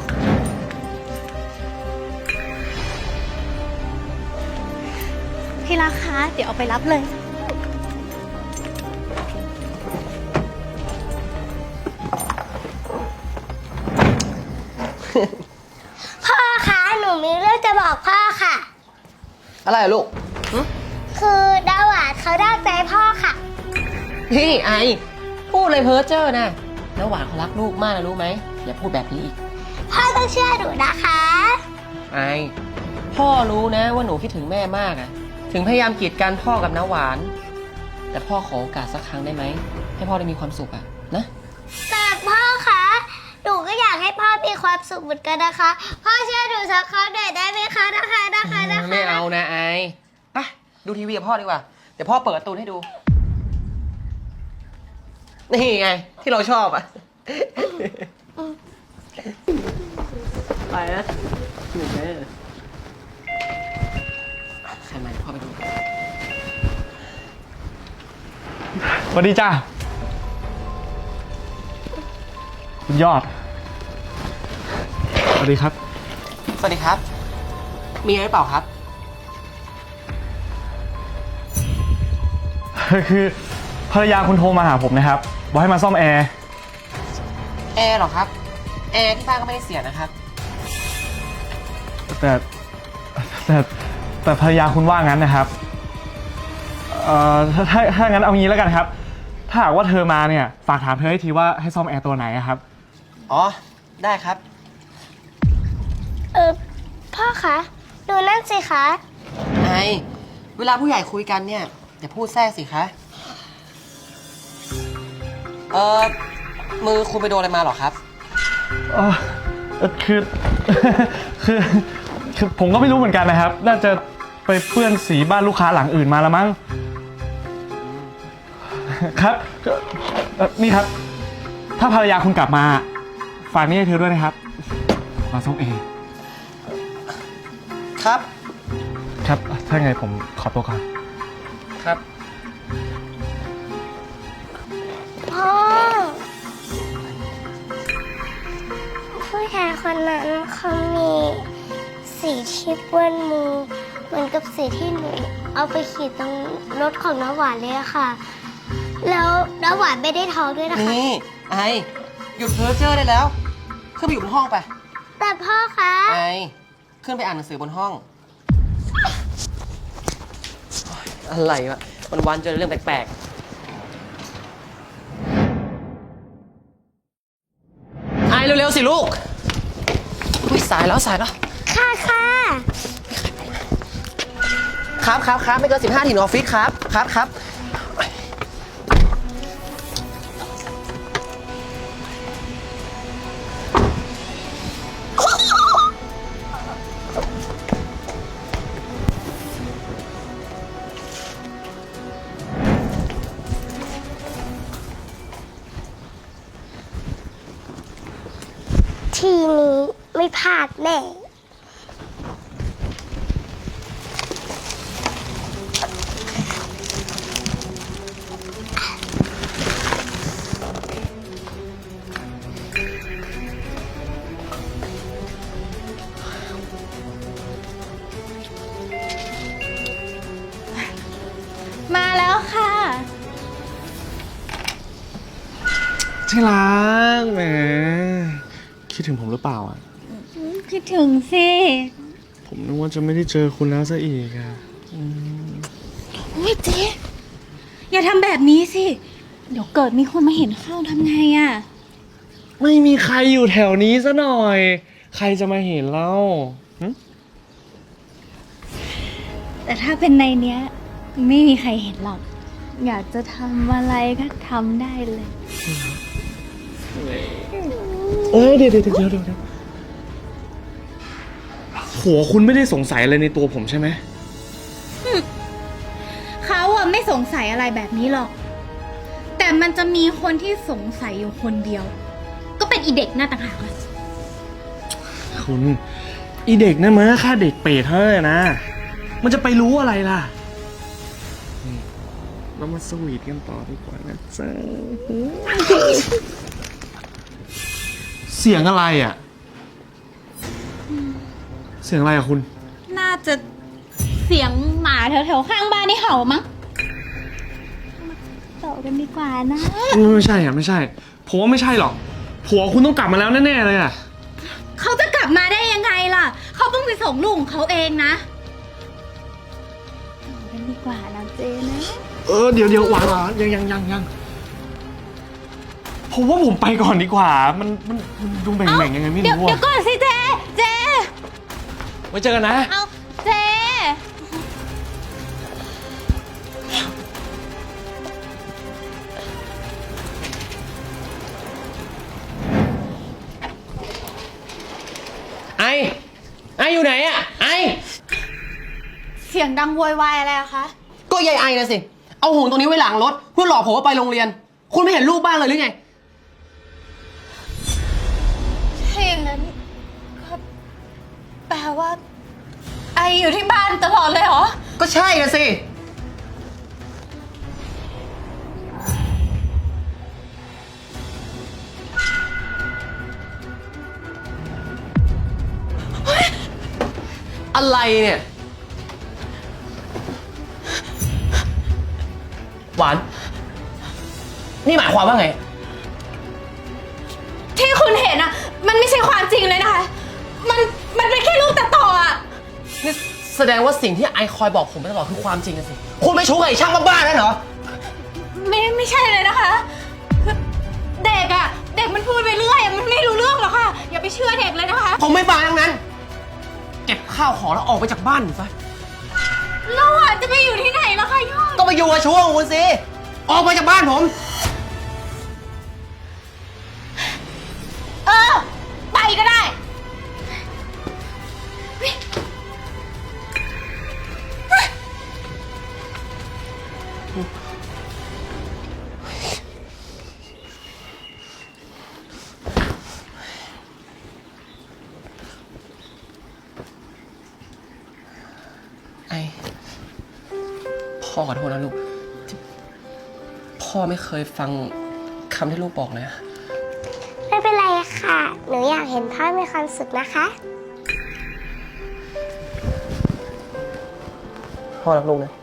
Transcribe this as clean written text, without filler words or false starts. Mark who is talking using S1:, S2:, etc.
S1: ที่รักคะเดี๋ยวเอาไปรับเลย
S2: พ่อคะหนูมีเรื่องจะบอกพ่อค่ะ
S3: อะไรอะลูก
S2: คือดาหวานเขาได้ใจพ่อค่ะ
S3: พี่ไอพูดเลยเพ้อเจ้อนะแล้วหวานเขารักลูกมากนะรู้ไหมอย่าพูดแบบนี้อีก
S2: พ่อต้องเชื่อหนูนะคะ
S3: ไอพ่อรู้นะว่าหนูคิดถึงแม่มากอะถึงพยายามกีดกันพ่อกับน้าหวานแต่พ่อขอโอกาสสักครั้งได้ไหมให้พ่อได้มีความสุขอะนะ
S2: แต่พ่อคะหนูก็อยากให้พ่อมีความสุขเหมือนกันนะคะพ่อเชื่อหนูสักครั้งหน่อยได้ไหมคะนะคะ
S3: ไม่เอานะไอไปดูทีวีกับพ่อดีกว่าเดี๋ยวพ่อเปิดการ์ตูนให้ดูนี่ไงที่เราชอบอะไปนะหนึ่งเลยใครมาพ่อไปดู
S4: สวัสดีจ้าคุณยอดสวัสดีครับ
S3: สวัสดีครับมีอะไรหรือเปล่าครับ
S4: คือภรรยาคุณโทรมาหาผมนะครับบอกให้มาซ่อมแอร์
S3: เหรอครับแอร์ที่บ้านก็ไม่ได้เสียนะครับ
S4: แต่ภรรยาคุณว่างั้นนะครับถ้างั้นเอางี้แล้วกันครับถ้าหากว่าเธอมาเนี่ยฝากถามเธอให้ทีว่าให้ซ่อมแอร์ตัวไหนครับ
S3: อ๋อได้ครับ
S2: พ่อคะดูนั่นสิคะ
S3: ไอเวลาผู้ใหญ่คุยกันเนี่ยอย่าพูดแทรกสิคะมือคุณไปโดนอะไรมาหรอครับ
S4: คือ คือผมก็ไม่รู้เหมือนกันนะครับน่าจะไปเปื้อนสีบ้านลูกค้าหลังอื่นมาแล้วมั้งครับนี่ครับถ้าภรรยาคุณกลับมาฝากนี่ให้เธอด้วยนะครับมาซ่อมเอง
S3: ครับ
S4: ครับถ้าไงผมขอตัวก่อน
S3: ครับ
S2: พ่อผู้ชายคนนั้นเขามีสีที่เปื้อนมือเหมือนกับสีที่หนูเอาไปขีดตรงรถของน้าหวานเลยค่ะแล้วน้าหวานไม่ได้ท้องด้วยนะคะ
S3: นี่ไอหยุดเพ้อเจ้อได้แล้วขึ้นไปอยู่บนห้องไป
S2: แต่พ่อคะ
S3: ไอขึ้นไปอ่านหนังสือบนห้องอะไรวะวันๆเจอเรื่องแปลกๆไอเร็วๆสิลูกอุ้ยสายแล้ว
S2: ค่ะ
S3: ครับไม่เกิน15ถึงออฟฟิศครับ
S2: ทีนี้ไม่พลาดแน่
S1: มาแล้วค่ะ
S4: ที่รักแหมคิดถึงผมหรือเปล่าอ่ะ
S1: คิดถึงสิ
S4: ผมนึกว่าจะไม่ได้เจอคุณแล้วซะอีกอ่ะ
S1: โอ้ยเจ๊อย่าทำแบบนี้สิเดี๋ยวเกิดมีคนมาเห็นเข้าทำไงอ่ะ
S4: ไม่มีใครอยู่แถวนี้ซะหน่อยใครจะมาเห็นเล่า
S1: แต่ถ้าเป็นในเนี้ยไม่มีใครเห็นหรอกอยากจะทำอะไรก็ทำได้เลย
S4: เดี๋ยวหัวคุณไม่ได้สงสัยอะไรในตัวผมใช่ไหม
S1: เขาอะไม่สงสัยอะไรแบบนี้หรอกแต่มันจะมีคนที่สงสัยอยู่คนเดียวก็เป็นอีเด็กหน้าต่างหากอะ
S4: คุณอีเด็กนั่นมันแค่เด็กเปรตเท่านั้นนะมันจะไปรู้อะไรล่ะเรามาสวีทกันต่อดีกว่านะจ๊ะเสียงอะไรอ่ะสียงอะไรอะคุณ
S1: น่าจะเสียงหมาแถวๆข้างบ้านนี่เห่ามั้งมาต่อกันดีกว่านะ
S4: ไม่ใช่อะไม่ใช่ผมว่าไม่ใช่หรอกผัวคุณต้องกลับมาแล้วแน่ๆเลยอะ
S1: เขาจะกลับมาได้ยังไงล่ะ เขาเพิ่งไปส่งลูกของเขาเองนะต่อกันดีกว่านะเจนะ
S4: เดี๋ยวหวานยังผมว่าผมไปก่อนดีกว่า มันดูแบ่งๆยังไงไม่
S1: เดี๋ยว
S4: รู้
S1: เดี๋ยว
S4: อะ
S1: ก่อนสิเจ เจ
S4: ไว้เจอกันนะ
S1: เอาเจ
S3: ไออยู่ไหนอะไอ
S1: เสียงดังโวยวายอะไรอะคะ
S3: ก็ยายไอนะสิ เอาห่วงตรงนี้ไว้หลังรถเพื่อหลอกผมว่าไปโรงเรียน คุณไม่เห็นลูกบ้างเลยหรือไง
S1: ถ้าอย่างนั้นก็แปลว่า ไออยู่ที่บ้านตลอดเลยเหรอ
S3: ก็ใช่นะสิ อะไรเนี่ย หวาน นี่หมายความว่าไง
S1: ที่คุณเห็นอะมันไม่ใช่ความจริงเลยนะคะ มันเป็นแค่รูปตัดต่ออะ
S3: นี่แสดงว่าสิ่งที่ไอคอยบอกผมมาตลอดคือความจริงนะสิ คุณไม่ชู้กับไอช่างบ้าๆนั่นเหรอ
S1: ไม่ใช่เลยนะคะคือเด็กอะเด็กมันพูดไปเรื่อยอะมันไม่รู้เรื่องหรอกค่ะ อย่าไปเชื่อเด็กเลยนะคะ
S3: ผมไม่ฟังทั้งนั้น เก็บข้าวของแล้วออกไปจากบ้านหนูซะ
S1: เราอะจะไปอยู่ที่ไหนล่ะคะยอด
S3: ก็ไปอยู่กับชู้ของคุณสิ ออกไปจากบ้านผม
S1: ไปก็ได้
S3: ไอพ่อขอโทษนะลูกที่พ่อไม่เคยฟังคำที่ลูกบอกเลยอะ
S2: ไม่เป็นไรค่ะ หนูอยากเห็นพ่อมีความสุขนะคะ
S3: พ่อรักลูกนะ